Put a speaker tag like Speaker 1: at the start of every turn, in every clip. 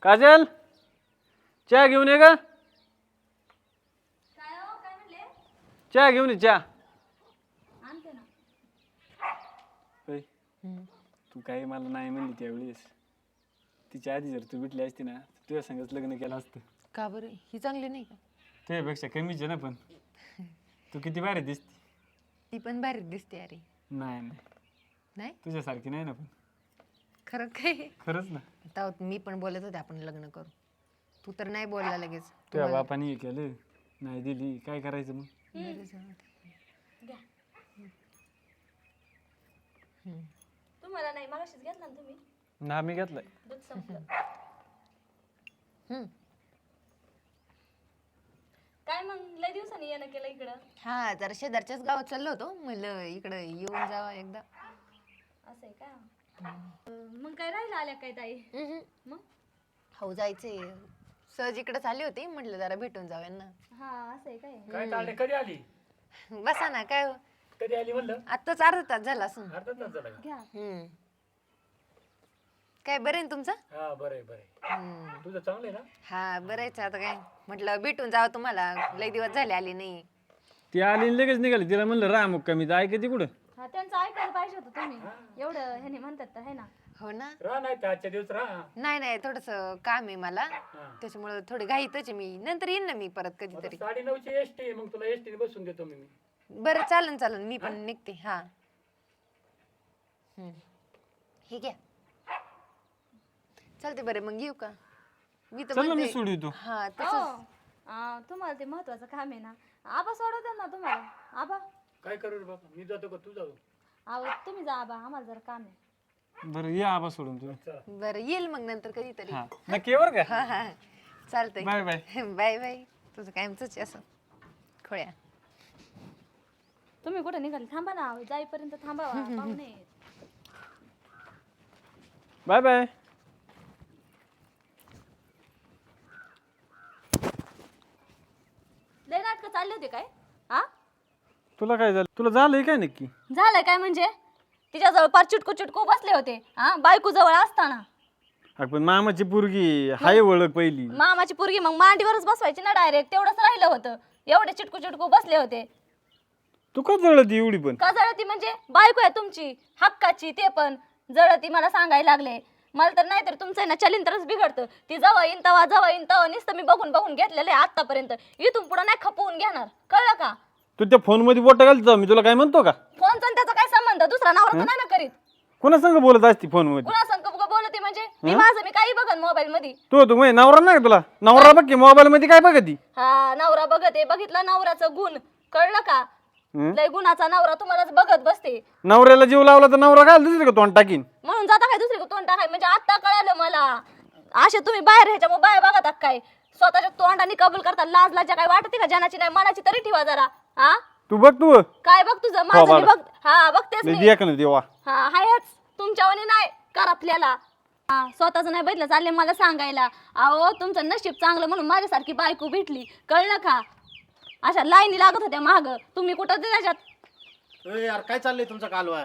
Speaker 1: काजल चहा घेऊन ये का? चहा घेऊन ये चहा. होय. तू काही मला नाही म्हणली त्यावेळेस. तिच्या आधी जर तू भेटली असती ना तुझ्या संगच लग्न केलं असतं.
Speaker 2: का बरं ही चांगली नाही का?
Speaker 1: तुझ्यापेक्षा कमीच आहे ना पण तू किती भारी दिसती.
Speaker 2: ती पण भारी दिसते अरे.
Speaker 1: नाही नाही
Speaker 2: नाही
Speaker 1: तुझ्यासारखी नाही ना पण.
Speaker 2: खरं काय?
Speaker 1: खरंच ना.
Speaker 2: आता मी पण बोलत होते आपण लग्न करू. तू तर नाही बोलला लगेच.
Speaker 1: तुझ्या बापाने हे केलं नाही दिली काय करायचं मग.
Speaker 3: तुम्हाला नाही मगाशीच घेतला ना तुम्ही.
Speaker 1: ना मी घेतलाय.
Speaker 3: दूध संपलं. काय मग लय दिवसांनी येणं केलं इकडं.
Speaker 2: हा जरा शेजारच्याच गावात चाललो होतो म्हणलं इकडं येऊन जावा एकदा.
Speaker 3: असं आहे का? मग काय राहिलं आल्या काय ताई? मग
Speaker 2: हो जायचंय सहज इकडे चालली होती म्हटलं जरा भेटून जाऊ यांना.
Speaker 3: हा असं आहे काय?
Speaker 4: काय चाललंय? कधी आली?
Speaker 2: बसा ना काय हो?
Speaker 4: कधी आली म्हणलं?
Speaker 2: आत्ताच अर्धा तास झाला असं.
Speaker 4: अर्धा तास झाला का?
Speaker 3: घ्या.
Speaker 2: काय बरं आहे ना तुमचं?
Speaker 4: हा बरं आहे. तुझं चांगलं आहे ना?
Speaker 2: हा बरंच आता काय म्हटलं भेटून जावं तुम्हाला लई दिवस झाले आली नाही.
Speaker 1: ती आली आणि लगेच निघाली. तिला म्हणलं राह मग कमी ऐकते कुठं.
Speaker 3: हा त्यांचं ऐकायला पाहिजे होतं तुम्ही. एवढं ह्याने म्हणतात तर है ना.
Speaker 2: हो ना.
Speaker 4: राह नाही तर आजच्या दिवस राह.
Speaker 2: नाही नाही थोडस काम आहे मला त्याच्यामुळे थोडी घाईतच आहे मी. नंतर येईन ना मी परत कधीतरी.
Speaker 4: 9:30ची एसटी आहे मग तुला एसटी बसून देतो मी.
Speaker 2: बरं चालन चालन मी पण निघते. हा हे घ्या चालते बरं मग येऊ का? मी तर
Speaker 1: चल ना मी
Speaker 2: म्हणते
Speaker 1: सोडवितो.
Speaker 2: हा
Speaker 3: हो.
Speaker 2: तसंच
Speaker 3: तुम्हाला ते महत्वाचं काम आहे ना. आबा सोडवतात ना तुम्हाला. आबा
Speaker 4: काय करू रे बाबा? मी जातो का तू जाऊ?
Speaker 3: अहो तुम्ही जा आबा आम्हाला जरा काम आहे.
Speaker 1: बरं ये आबा सोडून तुम्ही.
Speaker 2: बरं येईल मग नंतर कधीतरी.
Speaker 1: हा नक्की बरं का.
Speaker 2: हा हा चालतंय.
Speaker 1: Bye bye.
Speaker 2: Bye bye. तुझं कायमच असं खोळ्या.
Speaker 3: तुम्ही कुठे निघाले? थांबा ना जाईपर्यंत थांबावा. पाहुणे आहेत.
Speaker 1: Bye bye.
Speaker 3: लय नाटकं चालले होते काय? हा
Speaker 1: तुला काय झालं? तुला झालंय काय नक्की?
Speaker 3: झालंय काय म्हणजे? तिच्याजवळ पार चिटकू चिटकू बसले होते. हा बायको जवळ असताना.
Speaker 1: अगं पण मामाची पोरगी हाय ओळख पहिली.
Speaker 3: मामाची पोरगी मग मांडीवरच बसवायची ना डायरेक्ट. तेवढंच राहिलं होतं. एवढे चिटकू चिटकू बसले होते.
Speaker 1: तू का जळती एवढी पण?
Speaker 3: का जळती म्हणजे? बायको आहे तुमची हक्काची. ते पण जळती मला सांगायला लागले. मला तर नाही तर तुमचं आहे ना चलिंतरच बिघडतं. ती जवळ येईन तवा नुसतं मी बघून बघून घेतलेलं आहे आतापर्यंत. इथून पुढे नाही खपवून घेणार. कळलं का?
Speaker 1: तू त्या फोन मध्ये बोट घालतो मी तुला काय म्हणतो का?
Speaker 3: फोनचा त्याचा काय संबंध? दुसरा नवरा तर नाही ना करीत.
Speaker 1: कोणा संग बोलत असती फोन मध्ये?
Speaker 3: कुणा संग बोलते म्हणजे? मी काही बघन मोबाईल मध्ये.
Speaker 1: तू म्हणजे नवरा नाही का तुला? नवरा बघ की मोबाईल मध्ये काय बघती?
Speaker 3: हा नवरा बघते. बघितला नवऱ्याचं गुण. कळलं का? लय गुणाचा नवरा तुम्हालाच बघत बसते.
Speaker 1: नवऱ्याला जीव लावला तर नवरा काय दुसरी का तोंड टाकीन?
Speaker 3: म्हणून जाता काय दुसरी तोंड टाकाय? म्हणजे आता कळालं मला. असे तुम्ही बाहेर ह्याच्या बाहेर बघतात काय? स्वतःच्या तोंडाने कबूल करता. लाज लाजा काय वाटते का? जनाची नाही मनाची तरी ठेवा जरा. हा
Speaker 1: तू बघ तू
Speaker 3: काय बघ तुझं माझं मी बघ. हा बघतेच मी.
Speaker 1: दिया का नाही देवा?
Speaker 3: हा हायच तुमच्यावानी नाही करपल्याला. हा स्वतःच नाही बघितलं चालले मला सांगायला. अहो तुमचं नशीब चांगलं म्हणून माझ्यासारखी बायको भेटली. कळलं का? अशा लाईनी लागत होत्या माग. तुम्ही कुठं त्याच्यात?
Speaker 5: यार काय चाललंय तुमचा कालवा?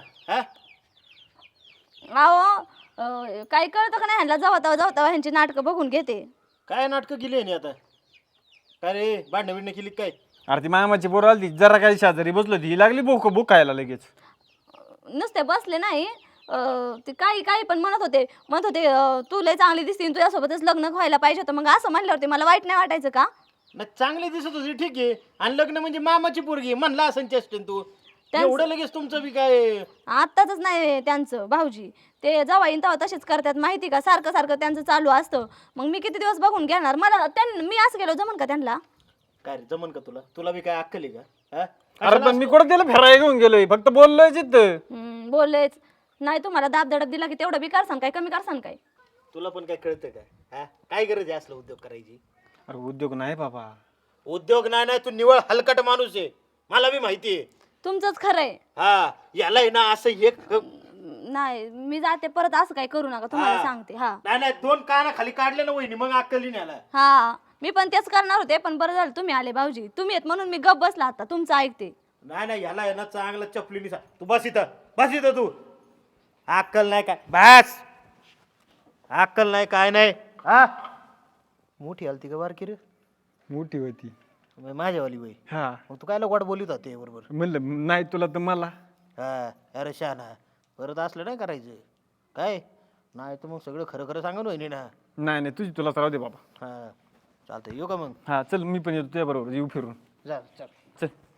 Speaker 3: अहो काही कळतं का नाही? ह्यांना जावा ह्यांची नाटकं बघून घेते.
Speaker 5: काय नाटकं केली आहे आता? काय रे भांडण बिंडणं केली काय?
Speaker 1: अरे ती मामाची पोर आली जरा काही शेजारी बसलो ती लागली भूक खायला लगेच.
Speaker 3: नुसते बसले नाही. ते काही पण म्हणत होते तू लय चांगली दिसते तुझ्यासोबतच लग्न व्हायला पाहिजे होतं. मग असं म्हणल्यावरती मला वाईट नाही वाटायचं का?
Speaker 5: नाही चांगली दिसत होती ठीक आहे. आणि लग्न म्हणजे मामाची पोरगी म्हणला असं चेष्टेन तू. एवढं लगेच तुमचं बी काय?
Speaker 3: आत्ताच नाही त्यांचं भाऊजी. ते जेव्हा येईन तेव्हा तसेच करतात माहिती का? सारखं सारखं त्यांचं चालू असतं. मग मी किती दिवस बघून घेणार? मला मी असं गेलो जमन का त्यांना?
Speaker 5: काय रे जमन का तुला? तुला बी काय अक्कल आहे का?
Speaker 1: अरे पण मी कुठं त्याला फिरायला घेऊन गेलोय फक्त बोललोय जिथं.
Speaker 3: बोललेच नाही. तुम्हाला दाबदडप दिला की तेवढं बी करसान काय? कमी करसान काय?
Speaker 5: तुला पण काय कळतं का? काय गरज आहे असलं उद्योग करायची?
Speaker 1: अरे उद्योग नाही बाबा.
Speaker 5: उद्योग नाही तू निवळ हलकट माणूस आहे. मला बी माहिती आहे.
Speaker 3: तुमचंच खरंय.
Speaker 5: हा याला आहे ना असं एक
Speaker 3: नाही मी जाते परत. असं काय करू नका तुम्हाला सांगते. हा
Speaker 5: नाही 2 काना खाली काढले ना वहिनी मग अक्कली नाही आला.
Speaker 3: हा मी पण तेच करणार होते पण बरं झालं तुम्ही आले भाऊजी. तुम्ही येत म्हणून मी गप बसला. आता तुमचं ऐकते.
Speaker 5: नाही याला आहे ना चांगलं चपलीने तू बस इथं तू. अक्कल नाही काय? बस अक्कल नाही काय नाही. मोठी आलती का बारकी रे?
Speaker 1: मोठी होती.
Speaker 5: मग माझ्यावाली वय.
Speaker 1: हा
Speaker 5: मग तू कायला गोड बोलत होते बरोबर?
Speaker 1: म्हणलं नाही तुला तर मला.
Speaker 5: हा अरे शहाणा, परत असलं नाही करायचं काय. नाही तर मग सगळं खरं खरं सांगा वहिनी ना.
Speaker 1: नाही नाही तुझी तुलाच राहू दे बाबा.
Speaker 5: हा चालतंय, येऊ का मग?
Speaker 1: हा चल मी पण येतो तुझ्या बरोबर, येऊ फिरून.
Speaker 5: जा चल.
Speaker 1: चल.